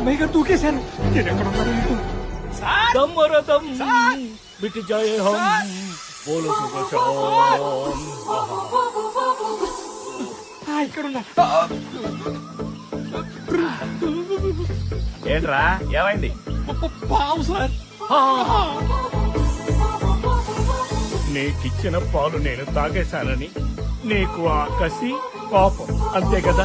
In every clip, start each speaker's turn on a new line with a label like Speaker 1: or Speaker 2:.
Speaker 1: అమ్మాయి గారు దూకేశారు. నేను ఎక్కడ ఉన్నాను
Speaker 2: దమ్మరదం మిట్ జాయే హమ్ బోలో సుభాషాం.
Speaker 1: ఇక్కడ ఉన్నా.
Speaker 2: ఏంట్రా ఏమైంది?
Speaker 1: పావు సార్.
Speaker 2: నీకిచ్చిన పాలు నేను తాగేశానని నీకు ఆ కసి కోపం అంతే కదా?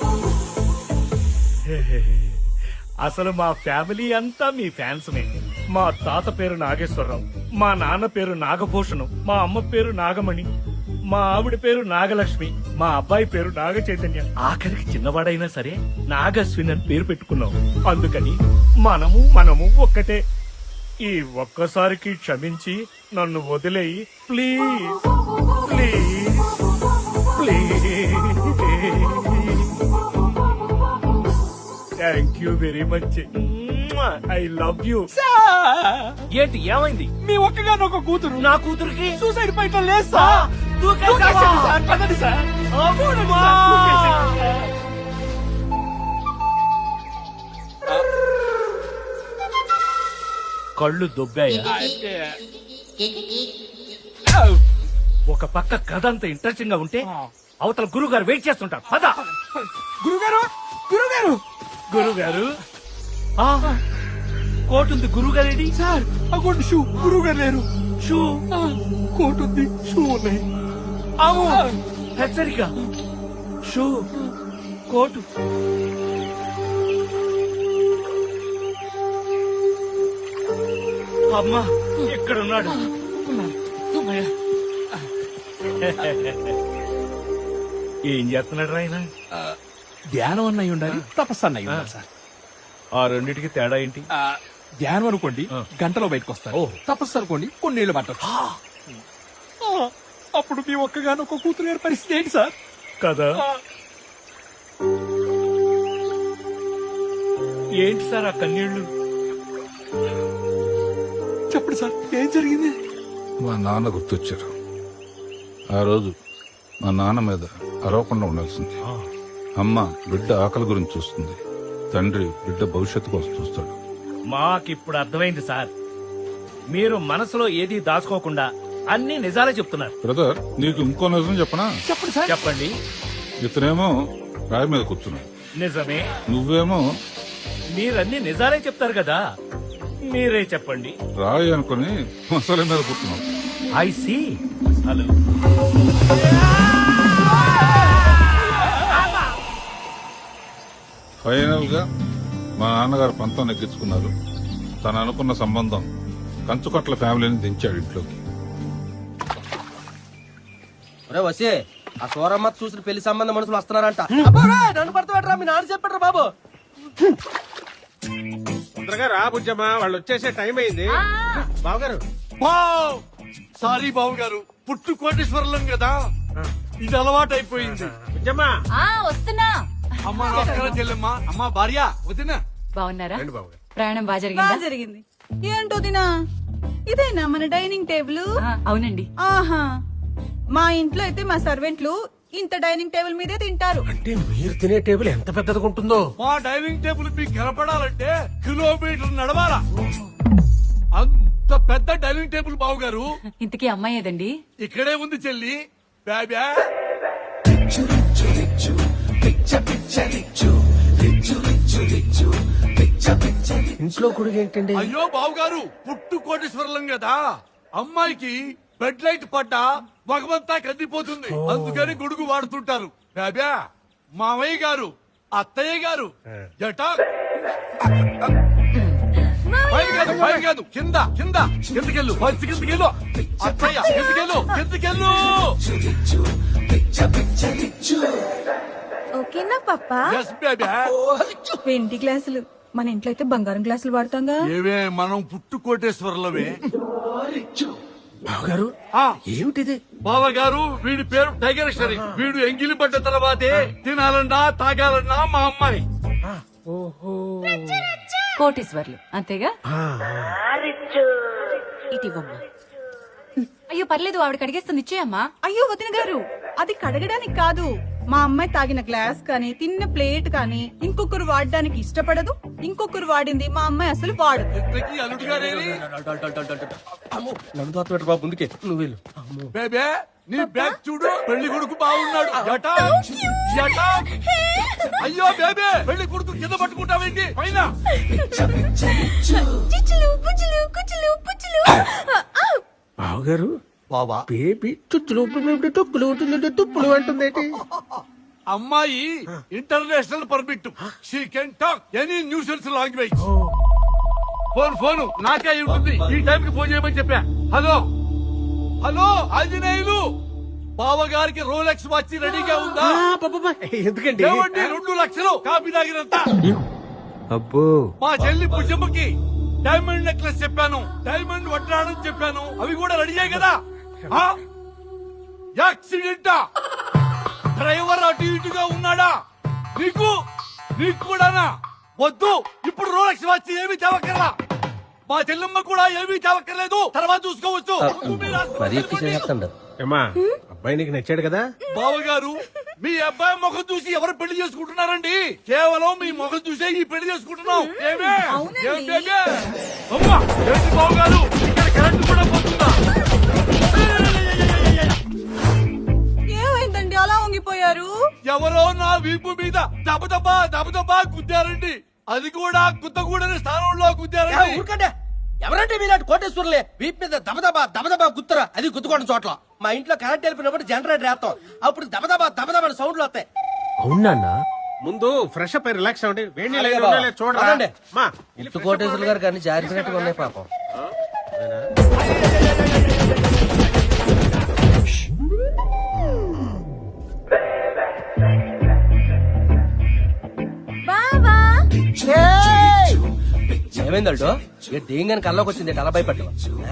Speaker 2: అసలు మా ఫ్యామిలీ అంతా మీ ఫ్యాన్స్మే. మా తాత పేరు నాగేశ్వరరావు, మా నాన్న పేరు నాగభూషణం, మా అమ్మ పేరు నాగమణి, మా ఆవిడ పేరు నాగలక్ష్మి, మా అబ్బాయి పేరు నాగ చైతన్య. ఆఖరికి చిన్నవాడైనా సరే నాగశ్విన్ అని పేరు పెట్టుకున్నాం. అందుకని మనము ఒక్కటే. ఈ ఒక్కసారికి క్షమించి నన్ను వదిలేయి please please please. Thank you very much. I love you. ఏంటి ఏమైంది?
Speaker 1: మీ ఒక్కగాను ఒక కూతురు.
Speaker 2: నా కూతురికి
Speaker 1: సూసైడ్ పాయింట్ లేదు సార్. దూకేశాడు సార్. పదండి సార్.
Speaker 2: కళ్ళు దొబ్బాయా? ఒక పక్క కథ అంత ఇంట్రెస్టింగ్ గా ఉంటే అవతల గురువు గారు వెయిట్ చేస్తుంటారు. పద.
Speaker 1: గురుగారు గురుగారు
Speaker 2: గురుగారు కోట్ ఉంది. గురువు గారేడి?
Speaker 1: Sir అగోండి shoe. గురువు గారు లేరు.
Speaker 2: షూ
Speaker 1: కోట్ ఉంది, షూ ఉన్నాయి.
Speaker 2: హెచ్చరిక. Shoe coat. అమ్మా ఎక్కడున్నాడు? ఏం చేస్తున్నాడు ఆయన?
Speaker 1: ధ్యానం అన్నయ్య ఉండాలి, తపస్సు అన్నయ్య ఉండాలి సార్.
Speaker 2: ఆ రెండిటికి తేడా ఏంటి?
Speaker 1: ధ్యానం అనుకోండి గంటలో బయటకు వస్తారు. తపస్సు అనుకోండి కొన్నేళ్లు పట్టదు. అప్పుడు మీ ఒక్కగాను ఒక కూతురు గారి పరిస్థితి ఏంటి సార్?
Speaker 2: కదా. ఏంటి సార్ ఆ కన్నీళ్లు?
Speaker 1: చెప్పండి సార్, ఏం జరిగింది?
Speaker 3: మా నాన్న గుర్తొచ్చారు. ఆ రోజు మా నాన్న మీద అరవకుండా ఉండాల్సింది. అమ్మ బిడ్డ ఆకలి గురించి చూస్తుంది, తండ్రి బిడ్డ భవిష్యత్తు కోసం చూస్తాడు.
Speaker 2: మాకిప్పుడు అర్థమైంది సార్. మీరు మనసులో ఏది దాచుకోకుండా అన్ని నిజాలే చెప్తున్నారు.
Speaker 3: బ్రదర్, నీకు ఇంకో నిజం చెప్పనా?
Speaker 1: చెప్పండి సార్.
Speaker 2: చెప్పండి.
Speaker 3: ఇతనేమో రాయి మీద కూర్చున్నాడు,
Speaker 2: నిజమే.
Speaker 3: నువ్వేమో
Speaker 2: మీరన్ని నిజాలే చెప్తారు కదా, మీరే చెప్పండి.
Speaker 3: రాయి అనుకుని మసాలా మీద కూర్చున్నావు.
Speaker 2: I see. హలో.
Speaker 3: ఫైనల్ గా మా నాన్నగారు పంతం నెగ్గించుకున్నారు. తను అనుకున్న సంబంధం కంచుకట్ల ఫ్యామిలీని దించాడు ఇంట్లోకి.
Speaker 4: వసే ఆ సోరమ్మ చూసిన పెళ్లి సంబంధం మనుషులు వస్తున్నారంట. నన్ను పడతాడు మీ నాన్న చెప్పాడు బాబు.
Speaker 5: తొందరగా రా బుజ్జమ్మా, వాళ్ళు వచ్చేసే టైం అయింది. బావగారు.
Speaker 1: సారీ బాబు గారు, పుట్టు కోటేశ్వరం కదా, ఇది అలవాటు అయిపోయింది.
Speaker 5: బుజ్జమ్మా
Speaker 6: వస్తున్నా.
Speaker 1: అమ్మా నమస్కారం చెల్లెమ్మా. అమ్మా భార్య వదినా.
Speaker 6: బాగున్నారా?
Speaker 5: రండి బావగారు.
Speaker 6: ప్రయాణం బాగా
Speaker 7: బాగా జరిగింది. ఏంటో దినా, ఇదేనా మన డైనింగ్ టేబుల్?
Speaker 6: అవునండి.
Speaker 7: ఆహా, మా ఇంట్లో అయితే మా సర్వెంట్లు ఇంత డైనింగ్ టేబుల్ మీదే తింటారు.
Speaker 5: అంటే మీరు తినే టేబుల్ ఎంత పెద్దగా ఉంటుందో.
Speaker 1: మా డైనింగ్ టేబుల్ మీకు కనపడాలంటే కిలోమీటర్ నడవాలా. అంత పెద్ద డైనింగ్ టేబుల్ బాబు గారు.
Speaker 6: ఇంతకీ అమ్మాయి ఏదండి?
Speaker 1: ఇక్కడే ఉంది చెల్లి. బాబా
Speaker 5: ఇంట్లో కూడా ఏంటండి?
Speaker 1: అయ్యో బాబు గారు, పుట్టు కోటేశ్వరం కదా, అమ్మాయికి బెడ్ లైట్ పడ్డా మగమంతా కందిపోతుంది, అందుకని గొడుగు వాడుతుంటారు. బాబా మామయ్య గారు, అత్తయ్య గారు జటా పై కాదు కింద కింద కిందకెళ్ళు, పచ్చి కిందకెళ్ళు. అత్తయ్య కిందకెళ్ళు, కిందకెళ్ళు.
Speaker 7: ఓకేనా పప్పా?
Speaker 1: ఎస్ బేబా.
Speaker 7: వెండి గ్లాసులు, మన ఇంట్లో అయితే బంగారం గ్లాసులు వాడతాంగా.
Speaker 1: ఏవే మనం పుట్టు కోటేశ్వరంలోవే.
Speaker 5: బావగారు ఏమిటిది?
Speaker 1: బావగారు, వీడి పేరు టైగర్ షరీ. వీడు ఎంగిలి పడ్డ తర్వాతే తినాలన్నా తాగాలన్నా మా అమ్మాయి.
Speaker 6: కోటీశ్వర్లు అంతేగా? ఇటివమ్మా. అయ్యో పర్లేదు, ఆవిడ కడిగేస్తుంది, ఇచ్చేయమ్మా.
Speaker 7: అయ్యో వదిన గారు, అది కడగడానికి కాదు, మా అమ్మాయి తాగిన గ్లాస్ కానీ తిన్న ప్లేట్ కానీ ఇంకొకరు వాడడానికి ఇష్టపడదు, ఇంకొకరు వాడింది మా అమ్మాయి అసలు వాడదు.
Speaker 1: ఇంతకీ అల్లుడు గారేరి
Speaker 4: అమ్మో, నన్ను తోట పెట్టు బాబు, ముందుకే నువ్వు వెళ్ళు. అమ్మో.
Speaker 1: బేబే నీ బ్యాగ్ చూడు, పెళ్లి కొడుకు బాగున్నాడు. జటా, జటా. అయ్యో బేబే, పెళ్లి కొడుకు కింద పట్టుకుంటావేంటి పైన?
Speaker 5: బావగారు
Speaker 1: బాబా
Speaker 5: బేబీ తుప్పులు తుప్పులు అంటుందేంటి?
Speaker 1: అమ్మాయి international permit, she can talk any nuisance language. Phone నాకే అయి ఉంటుంది. ఈ టైం కి ఫోన్ చేయమని చెప్పా. హలో హలో ఆంజనేయులు, బావగారికి రోలెక్స్ వాచ్ రెడీగా ఉందా?
Speaker 5: ఎందుకండి?
Speaker 1: ఏమండి 2 లక్షలు కాపీ తాగినంత.
Speaker 5: అబ్బో,
Speaker 1: మా చెల్లి పుష్పకి డైమండ్ నెక్లెస్ చెప్పాను, డైమండ్ వడ్డాణం చెప్పాను, అవి కూడా రెడీ అయ్యాయి కదా. ఆ? యాక్సిడెంటా? డ్రైవర్ అటు ఇటుగా ఉన్నాడా? నీకు కూడానా? వద్దు, ఇప్పుడు రోలెక్స్ వాచ్ ఏమీ తేవక్కర్లా. మా చెల్లెమ్మ కూడా ఏమీ తేవక్కర్లేదు, తర్వాత చూసుకోవచ్చు.
Speaker 4: మరీ ఎక్కువ చేస్తాడు.
Speaker 5: ఏమ్మా అబ్బాయి నీకు నచ్చాడు కదా?
Speaker 1: బావగారు, మీ అబ్బాయి ముఖం చూసి ఎవరు పెళ్లి చేసుకుంటున్నారండి? కేవలం మీ ముఖం చూసే ఈ పెళ్లి చేసుకుంటున్నాం. ఏమే?
Speaker 7: అవునండి.
Speaker 1: ఏం బేబే? అమ్మా, ఏంటి బావగారు, ఇక్కడ కరెంట్ కూడా పోతుందా?
Speaker 7: ఏమైందండి అలా వంగిపోయారు?
Speaker 1: ఎవరో నా వీపు మీద దబదబా గుద్దారండి. అది కూడా గుద్దగూడని స్థానంలో గుద్దారండి.
Speaker 4: ఊరుకంటే ఎవరంటే మీలాంటి కోటేశ్వరులే వీప్ మీద దబదబా గుత్తరా, అది గుద్దుకోవడం చోట్ల. మా ఇంట్లో కరెంట్ వెళ్ళినప్పుడు జనరేటర్ వేస్తాం, అప్పుడు దబదబా సౌండ్లు వస్తాయి.
Speaker 5: అవునా? ముందు ఫ్రెష్ అప్ రిలాక్స్ అవ్వండి. వేడి నీళ్ళు
Speaker 4: అలాగే
Speaker 5: ఏమైనా ఉన్నాయో
Speaker 4: బావ.
Speaker 5: చూడరా.
Speaker 4: అవునండి.
Speaker 5: మా,
Speaker 4: ఉత్తు కోటేశ్వరులు గారు కానీ జారిపోయినట్టుగా ఉన్నాయి పాపం. ఏమైంది అల్టో? ఇక దేంగాని కల్లోకి వచ్చింది, అలా భయపడ్డా?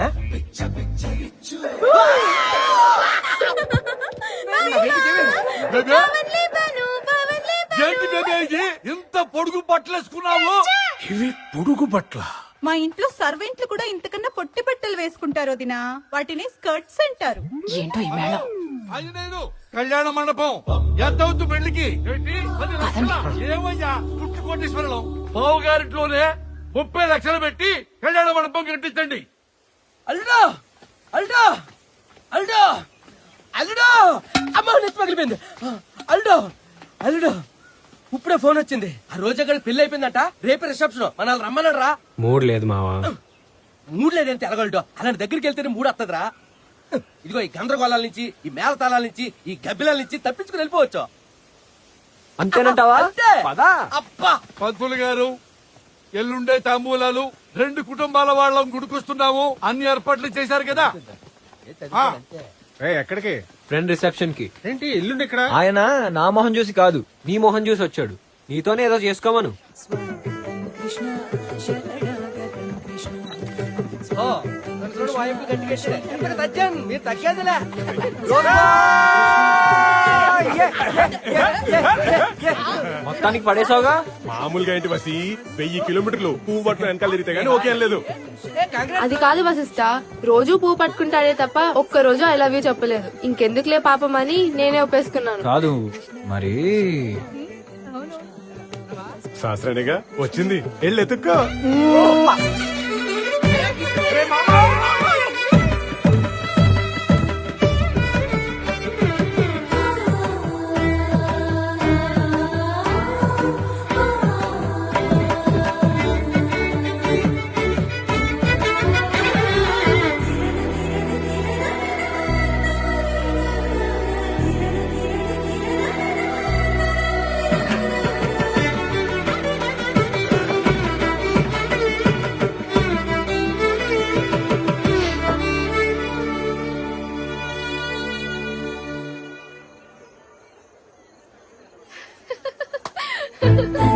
Speaker 1: బేబే, ఏంటి బేబే ఇది? ఇంత పొడుగు బట్టలేసుకున్నావు?
Speaker 5: ఇవి పొడుగు బట్ల.
Speaker 7: మా ఇంట్లో సర్వెంట్లు కూడా ఇంతకన్నా పొట్టి బట్టలు వేసుకుంటారు వదినా, వాటిని స్కర్ట్స్ అంటారు.
Speaker 6: ఏంటో ఈ మేళం.
Speaker 1: ఆంజనేయులు, కళ్యాణ మండపం ఎంత అవుతు పెళ్లికి? ఏంటి 10 లక్షలా? ఏమయ్యా పుట్టు కోటేశ్వరం, బావగారింట్లోనే 30 లక్షలు పెట్టి కళ్యాణ మండపం కట్టించండి.
Speaker 4: అల్లుడో అల్లుడో అల్లుడో అల్లుడో, అమ్మ నెత్తి పగిలిపోయింది. అల్లుడో ఇప్పుడే ఫోన్ వచ్చింది. ఆ రోజు అక్కడ పెళ్లి అయిపోయిందంట, రేపే రిసెప్షన్, మనల్ని రమ్మన్నాడు రా.
Speaker 5: మూడు లేదు మావా.
Speaker 4: మూడు లేదంటే ఎలగలటో, అలాంటి దగ్గరికి వెళ్తేనే మూడు వస్తుందిరా. ఇదిగో ఈ గందరగోళాల నుంచి, ఈ మేళతాళాల నుంచి, ఈ గబ్బిలాల నుంచి తప్పించుకుని వెళ్ళిపోవచ్చు.
Speaker 5: అంతేనంటావా?
Speaker 4: అంతే. అబ్బా,
Speaker 1: పంతులు గారు, ఎల్లుండే తాంబూలాలు 2 కుటుంబాల వాళ్ళం గుడికొస్తున్నాము. అన్ని ఏర్పాట్లు చేశారు కదా?
Speaker 5: ఎక్కడికి?
Speaker 8: ఫ్రెండ్ రిసెప్షన్ కి.
Speaker 5: ఏంటి ఎల్లుండి ఇక్కడ?
Speaker 8: ఆయన నా మొహం చూసి కాదు, నీ మొహం చూసి వచ్చాడు. నీతోనే ఏదో చేసుకోమను.
Speaker 4: ఓ, నన్ను చూడు, వాయింపు గట్టిగట్టిదే. ఎంతకు తగ్గాను, మీరు తగ్గేదిలే.
Speaker 8: మొత్తానికి పడేసావుగా.
Speaker 5: మామూలుగా ఏంటి బసి, 1000 కిలోమీటర్లు పువ్వు పట్టుకుని వెనకాల తిరిగితే గానీ ఓకే అనలేదు.
Speaker 9: అది కాదు వశిష్ట, రోజు పువ్వు పట్టుకుంటాడే తప్ప ఒక్క రోజు ఐ లవ్ యూ చెప్పలేదు. ఇంకెందుకులే పాపం అని నేనే ఒప్పేసుకున్నాను.
Speaker 8: కాదు మరి
Speaker 5: శాస్త్రానిగా వచ్చింది, వెళ్ళి ఎత్తుక్కో.
Speaker 9: Ha